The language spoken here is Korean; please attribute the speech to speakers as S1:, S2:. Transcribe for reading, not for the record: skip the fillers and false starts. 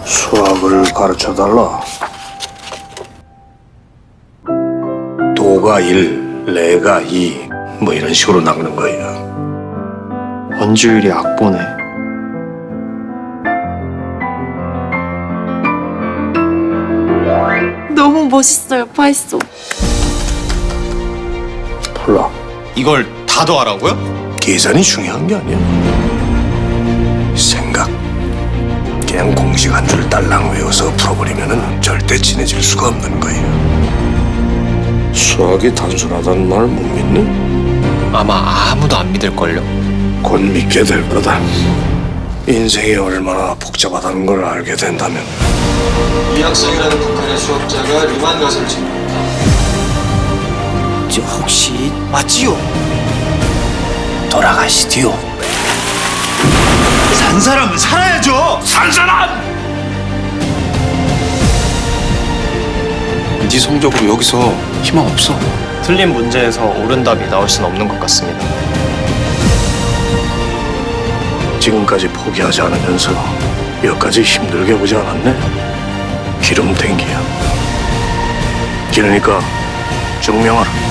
S1: 수학을 가르쳐달라. 도가 1, 레가 2, 뭐 이런 식으로 나가는 거예요.
S2: 원주율이 악보네.
S3: 너무 멋있어요, 파이소.
S1: 몰라.
S4: 이걸 다 더하라고요?
S1: 계산이 중요한 게 아니야. 생각. 그냥 공식 한 줄 딸랑 외워서 풀어버리면은 절대 친해질 수가 없는 거예요. 수학이 단순하다는 말 못 믿니?
S4: 아마 아무도 안 믿을걸요?
S1: 곧 믿게 될 거다. 인생이 얼마나 복잡하다는 걸 알게 된다면.
S5: 이 학생이라는 북한의 수학자가 리만 가설을 제공했다.
S6: 저 혹시 맞지요?
S1: 돌아가시디요.
S6: 산 사람은 살아야죠.
S1: 산 사람!
S2: 네 성적으로 여기서 희망 없어.
S4: 틀린 문제에서 옳은 답이 나올 수는 없는 것 같습니다.
S1: 지금까지 포기하지 않으면서 여기까지 힘들게 보지 않았네? 기름탱기야. 그러니까 증명하라.